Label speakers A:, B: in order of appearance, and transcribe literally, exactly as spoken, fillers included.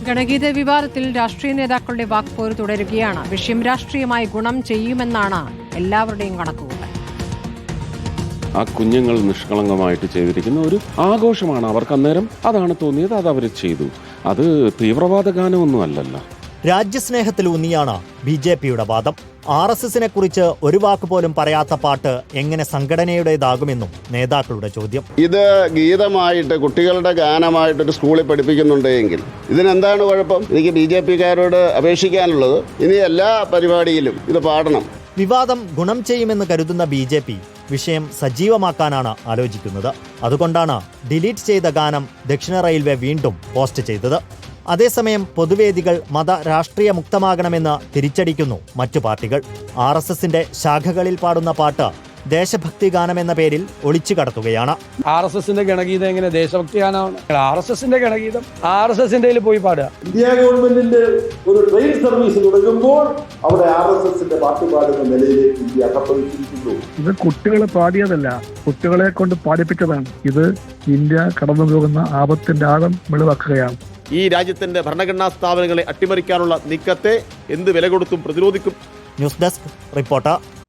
A: ഗണഗീത വിവാദത്തിൽ രാഷ്ട്രീയ നേതാക്കളുടെ വാക്പോര് തുടരുകയാണ്. വിഷയം രാഷ്ട്രീയമായി ഗുണം ചെയ്യുമെന്നാണ് എല്ലാവരുടെയും കണക്കുകൂട്ടൽ.
B: ആ കുഞ്ഞുങ്ങൾ നിഷ്കളങ്കമായിട്ട് ചെയ്തിരിക്കുന്ന ഒരു ആഘോഷമാണ്. അവർക്ക് അന്നേരം അതാണ് തോന്നിയത്, അത് അവർ ചെയ്തു. അത് തീവ്രവാദ ഗാനമൊന്നും അല്ലല്ലോ.
C: രാജ്യസ്നേഹത്തിലൂന്നിയാണ് ബി ജെ പിയുടെ വാദം. ആർ എസ് എസിനെ കുറിച്ച് ഒരു വാക്ക് പോലും പറയാത്ത പാട്ട് എങ്ങനെ സംഘടനയുടേതാകുമെന്നും നേതാക്കളുടെ ചോദ്യം.
D: ഇത് ഗീതമായിട്ട് കുട്ടികളുടെ ഗാനമായിട്ടൊരു സ്കൂളിൽ പഠിപ്പിക്കുന്നുണ്ടെങ്കിൽ ഇതിനെന്താണ് കുഴപ്പം? എനിക്ക് ബി ജെ പിക്കാരോട് അപേക്ഷിക്കാനുള്ളത് ഇനി എല്ലാ പരിപാടിയിലും ഇത് പാടണം.
C: വിവാദം ഗുണം ചെയ്യുമെന്ന് കരുതുന്ന ബി ജെ പി വിഷയം സജീവമാക്കാനാണ് ആലോചിക്കുന്നത്. അതുകൊണ്ടാണ് ഡിലീറ്റ് ചെയ്ത ഗാനം ദക്ഷിണ റെയിൽവേ വീണ്ടും പോസ്റ്റ് ചെയ്തത്. അതേസമയം പൊതുവേദികൾ മത രാഷ്ട്രീയ മുക്തമാകണമെന്ന് തിരിച്ചടിക്കുന്നു മറ്റു പാർട്ടികൾ. ആർ എസ് എസിന്റെ ശാഖകളിൽ പാടുന്ന പാട്ട് ദേശഭക്തി ഗാനം എന്ന പേരിൽ ഒളിച്ചു കടത്തുകയാണ്.
E: ആർ എസ് എസിന്റെ ഗണഗീതം എങ്ങനെ ദേശഭക്തി ഗാനമാണ്? ആർ എസ് എസിന്റെ ഗണഗീതം ആർ എസ് എസിന്റെ പോയി പാടുക.
F: ഇന്ത്യ ഗവൺമെന്റിന്റെ ഒരു ട്രെയിൻ സർവീസ് തുടങ്ങുമ്പോൾ അവിടെ ആർ എസ് എസിന്റെ പാട്ട് പാടുന്ന നിലയിലേക്ക് ഇന്ത്യ അകപ്പെട്ടിരിക്കുന്നു.
G: ഇത് കുട്ടികളെ പാടിയതല്ല, കുട്ടികളെ കൊണ്ട് പാടിപ്പിച്ചതാണ്. ഇത് ഇന്ത്യ കടന്നു പോകുന്ന ആപത്തിന്റെ ആഴം വെളിവാക്കുകയാണ്.
H: ഈ രാജ്യത്തിന്റെ ഭരണഘടനാ സ്ഥാപനങ്ങളെ അട്ടിമറിക്കാനുള്ള നീക്കത്തെ എന്ത് വില കൊടുത്തും പ്രതിരോധിക്കും.
C: News desk reporter.